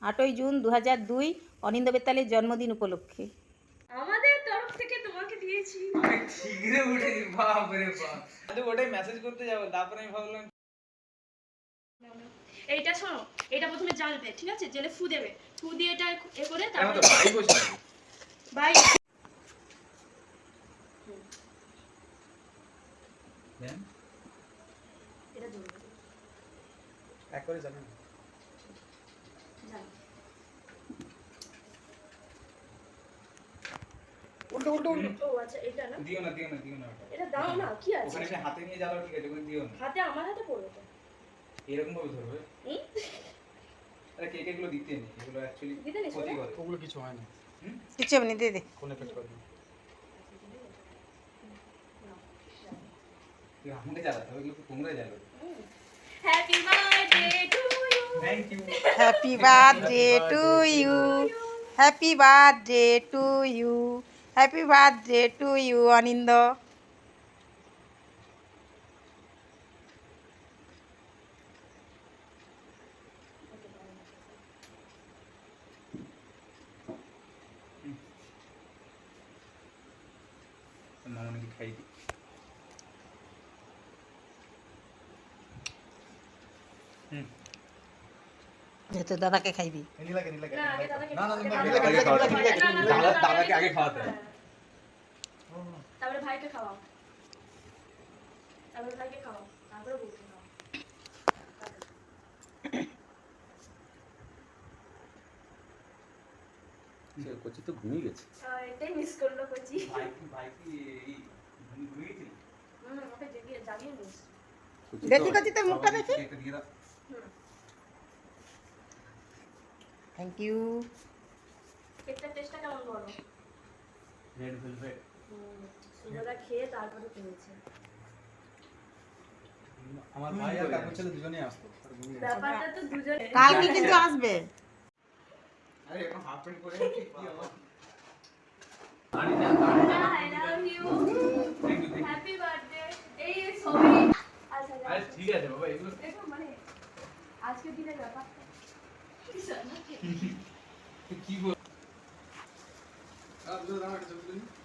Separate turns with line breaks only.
8ই June 2002 অনিন্দ বেতালের জন্মদিন উপলক্ষে
আমাদের তরফ থেকে তোমাকে দিয়েছি।
আমি ঠিকরে উঠেছি, বাপ রে বাপ। আমি ওটাই মেসেজ করতে যাব, তারপরে আমি ভাবলাম
এইটা শোনো, এটা প্রথমে জ্বালবে, ঠিক আছে? জেলে ফু দেবে, ফু দিয়ে এটা এ করে
আমি
তারপরে
তো ভাই বসে আছি।
ভাই
দেন
এটা জ্বলবে,
এক করে যাবেন।
জ্বাল।
উল্টো উল্টো উল্টো।
ও আচ্ছা, এটা না,
দিও না দিও না দিও না ওটা।
এটা দাও না, কি আছে?
ওখানে এসে হাতে নিয়ে জ্বালাও, ঠিক আছে? ওখানে দিও না।
হাতে, আমার হাতে পড়বে তো।
এরকম ভাবে ধরবে।
হুম?
আরে কেক এগুলো দিতে নেই, এগুলো অ্যাকচুয়ালি
দিতে নেই,
ক্ষতি
শোনো।
করে। ওগুলো কিছু হয় না।
কিছু এমনি দিয়ে দে।
কোন এফেক্ট করে না। তুই আমাকে জ্বালাতে হবে, এগুলো তোমরা জ্বালাবে।
Happy birthday to you.
Thank you.
Happy birthday to you, happy birthday to you, happy birthday to you Anindo.
মামনিকে খাই দি।
যেহেতু দাদাকে খাইবি।
নীলাকে নীলাকে।
না, আগে দাদাকে
না না
আগে
নীলাকে
দাদাকে
খাওয়াতে
খাওয়াতে
হবে।
হবে। না, না,
দাদাকে আগে খাওয়াতে হবে।
তারপরে ভাইকে খাওয়াও, তারপরে ভাইকে খাওয়াও, তারপরে বউকে খাওয়াও।
কচি তো ঘুমিয়ে গেছে।
এটাই মিস করলো কচি।
ভাই কি এই ঘুমিয়ে গেছিল?
ওকে জাগিয়ে নিস।
দেখি কচি তোর মুখটা দেখি।
একটা দিয়ে দাও।
Thank you.
কেকটার টেস্টটা কেমন বলো?
Red velvet.
সুগরা খেয়ে তারপরে পেয়েছে।
আমার ভাই আর কাকু ছেলে দুজনেই আসতো।
ব্যাপারটা তো দুজনে।
কালকে কিন্তু আসবে।
আরে এখন হাফ প্যান্ট পরে কি হবে?
I love you.
Thank you.
Happy birthday. এই সবই আচ্ছা
আরে ঠিক আছে বাবা, এগুলো
দেখো মানে আজকের দিনের ব্যাপারটা
কি বল? আপ দাও, আমার কাছে বলুন।